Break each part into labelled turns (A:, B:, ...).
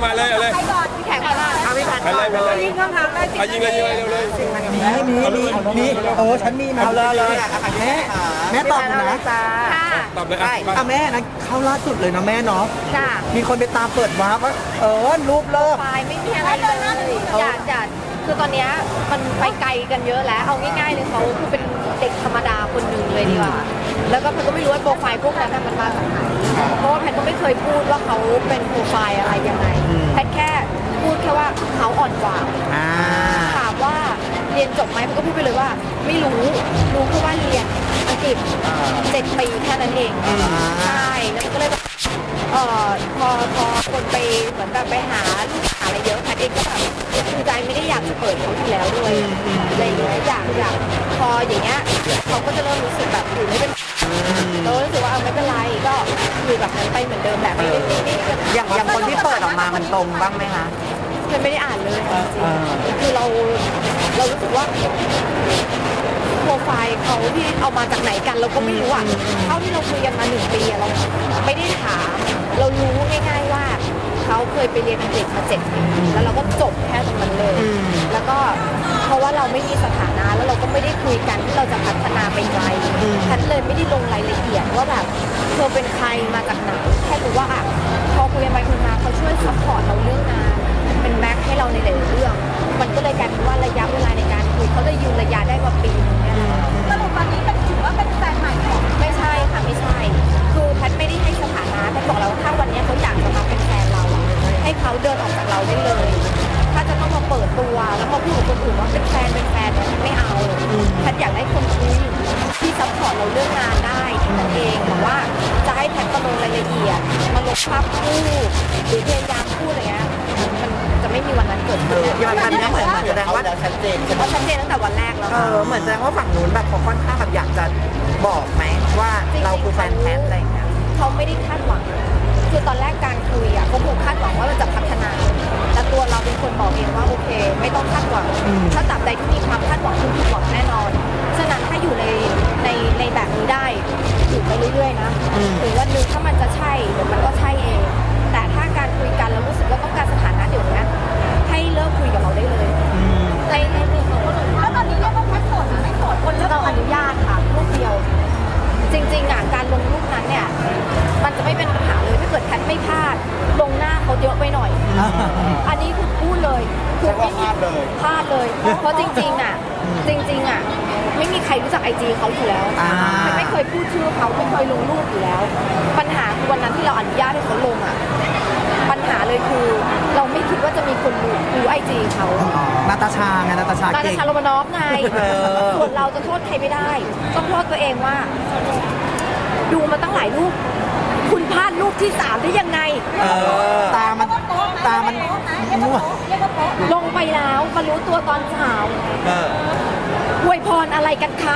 A: มาเลยเอาเลย
B: ใครก่อนพี่แขกก่อนเอาพี่แขก
A: ไปเลยไปเลย
B: ยิงคำถามได้สิ
A: ยิงเลยเร็วเลย
C: มีฉันมีมาเอาเลยแม่ตอบนะ
B: จ้า
A: ตอบเลย
C: แม่นะเข้าล่าสุดเลยนะแม่เนาะ
B: จ้า
C: มีคนไปตามเปิดวาร์ปว่ารูปเลิก
B: ไฟไม่มีอะไรเลยอย่าคือตอนเนี้ยมันไปไกลกันเยอะแล้วเอาง่ายๆเลยเขาคือเป็นเด็กธรรมดาคนหนึ่งเลยดีกว่าแล้วก็แพนก็ไม่รู้ว่าโปรไฟล์พวกนั้นมันมาจากไหนเพราะว่าแพนก็ไม่เคยพูดว่าเขาเป็นโปรไฟล์อะไรยังไงแพนแค่พูดแค่ว่าเขาอ่อนกว่าถามว่าเรียนจบไหมแพนก็พูดไปเลยว่าไม่รู้แค่ว่าเรียนอังกฤษ7 ปีแค่นั้นเองใช่แล้วมันก็เลยแบบพอคนไปเหมือนแบบไปหาลูกหาอะไรเยอะแพทเองก็แบบคือใจไม่ได้อยากจะเปิดเขาอยู่แล้วด้วยอะไรอย่างเงี้ยอยากพออย่างเงี้ยเขาก็จะเริ่มรู้สึกแบบอยู่ไม่เป็นเรารู้สึกว่าไม่เป็นไรก็อยู่แบบนั้นไปเหมือนเดิมแบบไม่
C: อย่างคนที่เปิดออกมามันตรงบ้างไหมคะ
B: ไม่ได้อ่านเลยจริงคือเรารู้สึกว่าโปรไฟล์เขาที่เอามาจากไหนกันเราก็ไม่รู้อ่ะเท่าที่เราคุยกันมา1 ปีเราไม่ได้ถามเรารู้ง่ายๆว่าเขาเคยไปเรียนอังกฤษมา7 ปีแล้วเราก็จบแค่ตรงนั้นเลยแล้วก็เพราะว่าเราไม่มีสถานะแล้วเราก็ไม่ได้คุยกันที่เราจะพัฒนาไปไกลฉันเลยไม่ได้ลงรายละเอียดว่าแบบเธอเป็นใครมาจากไหนแค่รู้ว่าอ่ะพอคุยกันไปคุยมาเขาช่วยซัพพอร์ตเราเรื่องงานเป็นแบ็คให้เราในหลายเรื่องมันก็เลยกลายเป็นว่าระยะเวลาในการคุยเขาเลยยืนระยะได้มาปีนึงเนี่ยสรุปตอนนี้ถือว่าเป็นแฟนใหม่หรอไม่ใช่ค่ะไม่ใช่คือแพทไม่ได้ให้สถานะแพทบอกเราถ้าวันนี้เขาอยากจะมาเป็นแฟนเราให้เขาเดินออกจากเราได้เลยถ้าจะต้องมาเปิดตัวแล้วมาพูดกับคนอื่นว่าเป็นแฟนไม่เอาแพทอยากได้คนคุยที่ซัพพอร์ตเราเรื่องงานได้แค่นั้นเองแต่ว่าจะให้แพทมาลงรายละเอียดมาลงภาพคู่หรือพยายามพูดอะไรเงี้ยมันจะไม่มีวันนั้นเกิดขึ้น
C: มันเหมือนแสดงว่าชัดเจนใช่ไหม
B: ชัดเจนตั้งแต่วันแรกแล้ว
C: เหมือนแสดงว่าฝั่งนู้นแบบเขาค่อนข้างแบบอยากจะบอกไหมว่าเราคือแฟนแท้อะไรอย่างเงี้ย
B: เขาไม่ได้คาดหวังคือตอนแรกการคุยอ่ะเขาคงคาดหวังว่าเราจะพัฒนาแต่ตัวเราเป็นคนบอกเองว่าโอเคไม่ต้องคาดหวังถ้าตราบใดที่มีความคาดหวังคุณผิดหวังแน่นอนฉะนั้นถ้าอยู่ในแบบนี้ได้อยู่ไปเรื่อยๆนะหรือวันนึงถ้ามันจะใช่เดี๋ยวมันก็ใช่เองแต่ถ้าการคุยกันแล้วรู้สึกว่าต้องการสถานะเดี๋ยวนี้ให้เลิกคุยกับเราได้เลยในหนึ่งของคนอื่นแล้วตอนนี้เรียกว่าแพทโสดหรือไม่โสดคนเราอนุญาตค่ะรูปเดียวจริงๆอ่ะการลงรูปนั้นเนี่ยมันจะไม่เป็นปัญหาเลยถ้าเกิดแพทไม่พลาดลงหน้าเขาเยอะไปหน่อยอันนี้คือพูดเลยคือไม่มีพลาดเลยเพราะจริงๆอ่ะไม่มีใครรู้จักIGเขาอยู่แล้วไม่เคยพูดชื่อเขาไม่เคยลงรูปอยู่แล้วปัญหาคือวันนั้นที่เราอนุญาตให้เขาลงอ่ะปัญหาเลยคือเราไม่คิดว่าจะมีคนรู้IGเขา
C: นาตาชา
B: โรมานอฟไงส่วนเราจะโทษใครไม่ได้ต้องโทษตัวเองว่าดูมาตั้งหลายรูปคุณพลาดรูปที่3ได้ยังไง
C: ตามันมั่ว
B: ลงไปแล้วมารู้ตัวตอนเช้าอวยพรอะไรกันคะ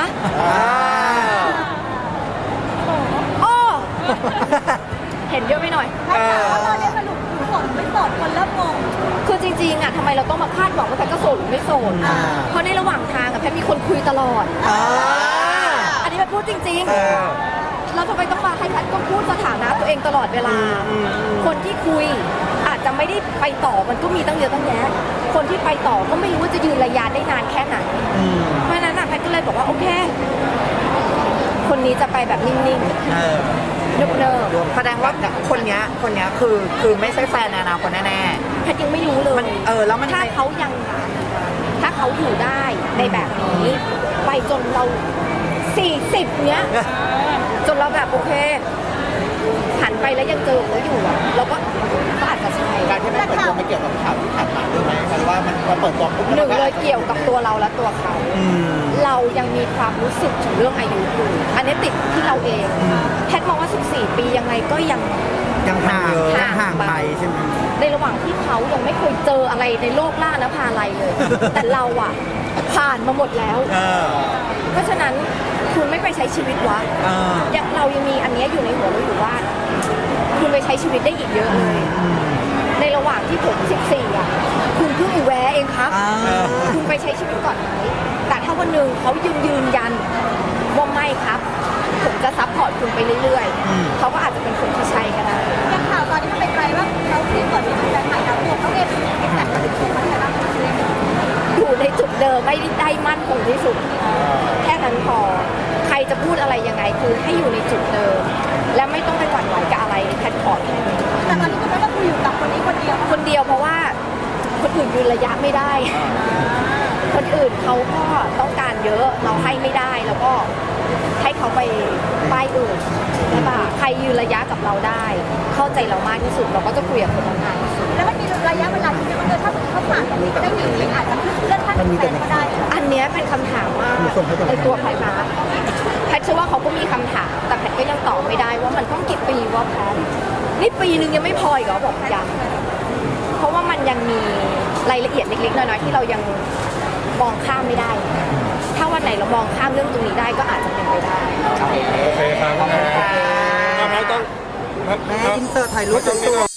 B: อ้อเห็นเยอะไปหน่อยแล้วเราได้สรุปโสดไม่โสดคนเริ่มงงคือจริงๆอ่ะทำไมเราต้องมาคาดหวังว่าแพทจะโสดหรือไม่โสดเพราะในระหว่างทางอ่ะแพทมีคนคุยตลอดอันนี้แพทพูดจริงๆเราทำไมต้องมาให้แพทก็พูดสถานะตัวเองตลอดเวลาคนที่คุยอาจจะไม่ได้ไปต่อมันก็มีตั้งเยอะตั้งแยะคนที่ไปต่อก็ไม่รู้ว่าจะยืนระยะได้นานแค่ไหนเพราะฉะนั้นแพทก็เลยบอกว่าโอเคคนนี้จะไปแบบนิ่งๆเนิบ
C: ๆแสดงว่าคนนี้คือไม่ใช่แฟนในอนาคตแน่
B: ๆแพทยังไม่รู้เลย
C: แล้วมัน
B: ถ้าเขาอยู่ได้ในแบบนี้ไปจนเรา40เนี้ยจนเราแบบโอเคหันไปแล้วยังเจอเขาอยู่อ่ะเราก็อาจจะใช่
D: การที่ไม่เปิดตัวไม่เกี่ยวกับข่าวที่ผ่านมาด้วยไหมหรือว่ามันเปิดตัว
B: หนึ่งเลยเกี่ยวกับตัวเราและตัวเขาเรายังมีความรู้สึกถึงเรื่องอายุอยู่อันนี้ติดที่เราเองแพทมองว่า14 ปียังไงก็ยัง
C: ห่างไปใช่ไหม
B: ในระหว่างที่เขายังไม่เคยเจออะไรในโลกล่านะพาอะไรเลยแต่เราอ่ะผ่านมาหมดแล้วเพราะฉะนั้นคุณไม่ไปใช้ชีวิตวะเรายังมีอันนี้อยู่ในหัวเราอยู่ว่าคุณไปใช้ชีวิตได้อีกเยอะเลยในระหว่างที่ผม14อ่ะคุณเพิ่งแวะเองครับคุณไปใช้ชีวิตก่อนไหมแต่ถ้าวันหนึ่งเขายืนยันว่าไม่ครับผมจะซัพพอร์ตคุณไปเรื่อยๆเขาก็อาจจะเป็นคนที่ใช่ก็ได้ยังข่าวตอนนี้มันไปไกลว่าเขาที่เปิดเป็นแฟนใหม่เราไม่ได้มั่นคงที่สุด แค่นั้นพอใครจะพูดอะไรยังไงคือให้อยู่ในจุดเดิม และไม่ต้องไปหวั่นไหวกับอะไรแพทขอแค่นี้
A: แต่ตอนนี้คุณแม่ก็คืออยู่กับคนนี้คนเดียว
B: คนเดียวเพราะว่าคนอื่นยืนระยะไม่ได้ คนอื่นเขาก็ต้องการเยอะเราให้ไม่ได้แล้วก็ให้เขาไปป้ายอื่นใช่ปะใครยืนระยะกับเราได้ เข้าใจเรามากที่สุดเราก็จะคุยกับคนนั้นมากที่สุด
A: แล้วมันมีระยะเวลาที่จะมันถ้าเขาผ่านตรงนี้ได้อีกอาจจะเลื่อนขั้นเป็นแฟนก็ได้
B: อันเนี้ยเป็นคำถามว่าในตัวแพทย์นะแพทย์เชื่อว่าเขาก็มีคำถามแต่แพทย์ก็ยังตอบไม่ได้ว่ามันต้องกี่ปีว่าแพทย์นี่ปีนึงยังไม่พออีกเหรอบอกยังเพราะว่ามันยังมีรายละเอียดเล็กๆน้อยๆที่เรายังมองข้ามไม่ได้ ถ้าวันไหนเรามองข้ามเรื่องตรงนี้ได้ก็อาจจะเป็นไปได้
E: โอเคครับ
C: ขอบคุณค่ะ
E: แพทย์ต้อง
C: แม่อินเสิร์ตถ่ายรูปสวยๆ